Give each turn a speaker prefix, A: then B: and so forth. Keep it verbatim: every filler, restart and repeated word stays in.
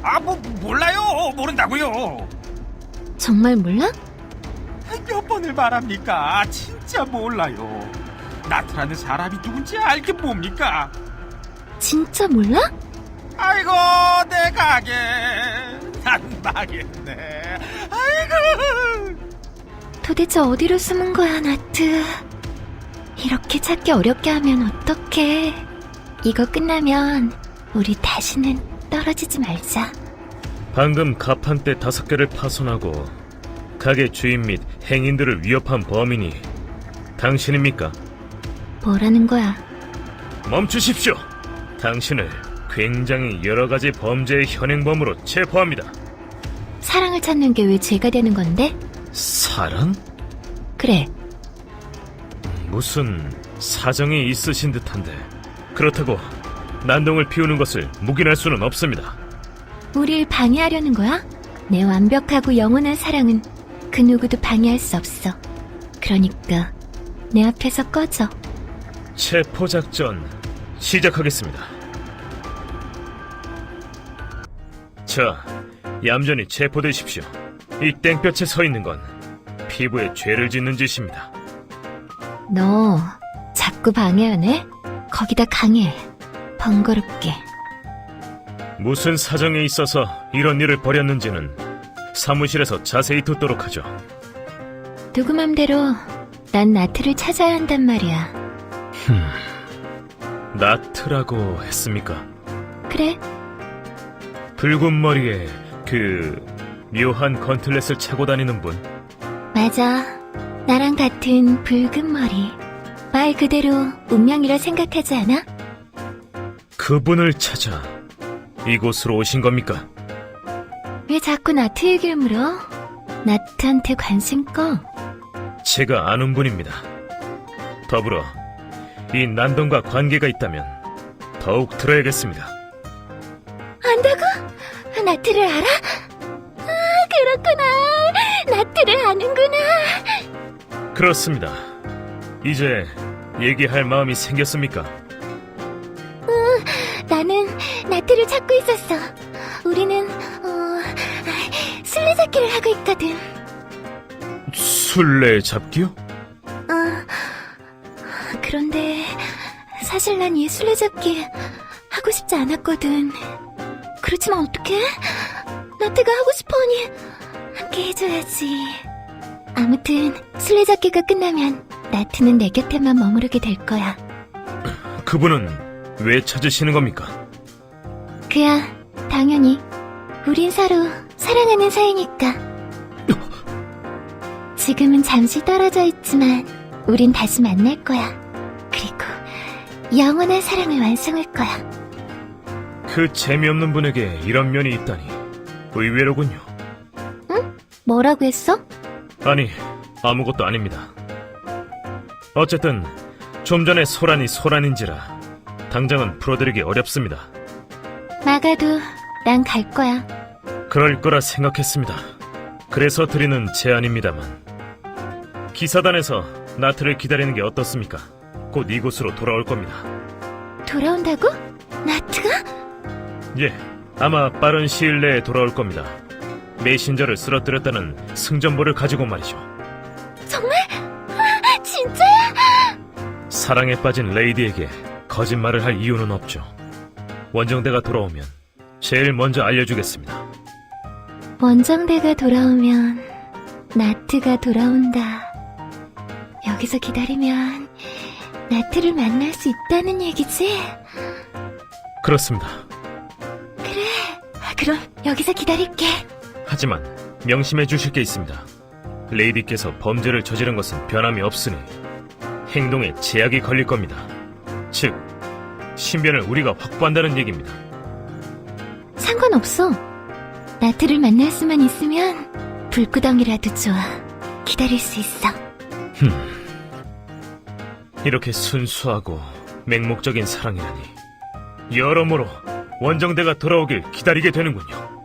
A: 아, 뭐, 몰라요. 모른다고요.
B: 정말 몰라?
A: 몇 번을 말합니까? 진짜 몰라요. 나트라는 사람이 누군지 알게 뭡니까?
B: 진짜 몰라?
A: 아이고, 내 가게. 난 망했네. 아이고.
B: 도대체 어디로 숨은 거야, 나트? 이렇게 찾기 어렵게 하면 어떡해. 이거 끝나면 우리 다시는 떨어지지 말자.
C: 방금 가판대 다섯 개를 파손하고 가게 주인 및 행인들을 위협한 범인이 당신입니까?
B: 뭐라는 거야?
C: 멈추십시오. 당신을 굉장히 여러 가지 범죄의 현행범으로 체포합니다.
B: 사랑을 찾는 게 왜 죄가 되는 건데?
C: 사랑?
B: 그래,
C: 무슨 사정이 있으신 듯한데 그렇다고 난동을 피우는 것을 묵인할 수는 없습니다.
B: 우릴 방해하려는 거야? 내 완벽하고 영원한 사랑은 그 누구도 방해할 수 없어. 그러니까 내 앞에서 꺼져.
C: 체포작전 시작하겠습니다. 자, 얌전히 체포되십시오. 이 땡볕에 서 있는 건 피부에 죄를 짓는 짓입니다.
B: 너 자꾸 방해하네? 거기다 강해. 번거롭게.
C: 무슨 사정에 있어서 이런 일을 벌였는지는 사무실에서 자세히 듣도록 하죠.
B: 누구 맘대로 난 나트를 찾아야 한단 말이야.
C: 나트라고 했습니까?
B: 그래,
C: 붉은 머리에 그 묘한 건틀렛을 차고 다니는 분.
B: 맞아. 나랑 같은 붉은 머리. 말 그대로 운명이라 생각하지 않아?
C: 그분을 찾아 이곳으로 오신 겁니까?
B: 왜 자꾸 나트 얘기를 물어? 나트한테 관심 꺼.
C: 제가 아는 분입니다. 더불어 이 난동과 관계가 있다면 더욱 들어야겠습니다.
B: 안다고? 나트를 알아? 아, 그렇구나. 나트를 아는구나.
C: 그렇습니다. 이제 얘기할 마음이 생겼습니까?
B: 나는 나트를 찾고 있었어. 우리는 어, 술래잡기를 하고 있거든.
C: 술래잡기요?
B: 어, 그런데 사실 난 이 술래잡기 하고 싶지 않았거든. 그렇지만 어떡해? 나트가 하고 싶어하니 함께 해줘야지. 아무튼 술래잡기가 끝나면 나트는 내 곁에만 머무르게 될 거야.
C: 그분은 왜 찾으시는 겁니까?
B: 그야 당연히 우린 서로 사랑하는 사이니까. 지금은 잠시 떨어져 있지만 우린 다시 만날 거야. 그리고 영원한 사랑을 완성할 거야.
C: 그 재미없는 분에게 이런 면이 있다니 의외로군요.
B: 뭐라고 했어?
C: 아니, 아무것도 아닙니다. 어쨌든 좀 전에 소란이 소란인지라 당장은 풀어드리기 어렵습니다.
B: 나가도 난 갈 거야.
C: 그럴 거라 생각했습니다. 그래서 드리는 제안입니다만 기사단에서 나트를 기다리는 게 어떻습니까? 곧 이곳으로 돌아올 겁니다.
B: 돌아온다고? 나트가?
C: 예, 아마 빠른 시일 내에 돌아올 겁니다. 메신저를 쓰러뜨렸다는 승전보를 가지고 말이죠.
B: 정말? 아, 진짜야?
C: 사랑에 빠진 레이디에게 거짓말을 할 이유는 없죠. 원정대가 돌아오면 제일 먼저 알려주겠습니다.
B: 원정대가 돌아오면 나트가 돌아온다. 여기서 기다리면 나트를 만날 수 있다는 얘기지?
C: 그렇습니다.
B: 그래, 그럼 여기서 기다릴게.
C: 하지만 명심해 주실 게 있습니다. 레이디께서 범죄를 저지른 것은 변함이 없으니 행동에 제약이 걸릴 겁니다. 즉, 신변을 우리가 확보한다는 얘기입니다.
B: 상관없어. 나트를 만날 수만 있으면 불구덩이라도 좋아. 기다릴 수 있어.
C: 흠, 이렇게 순수하고 맹목적인 사랑이라니 여러모로 원정대가 돌아오길 기다리게 되는군요.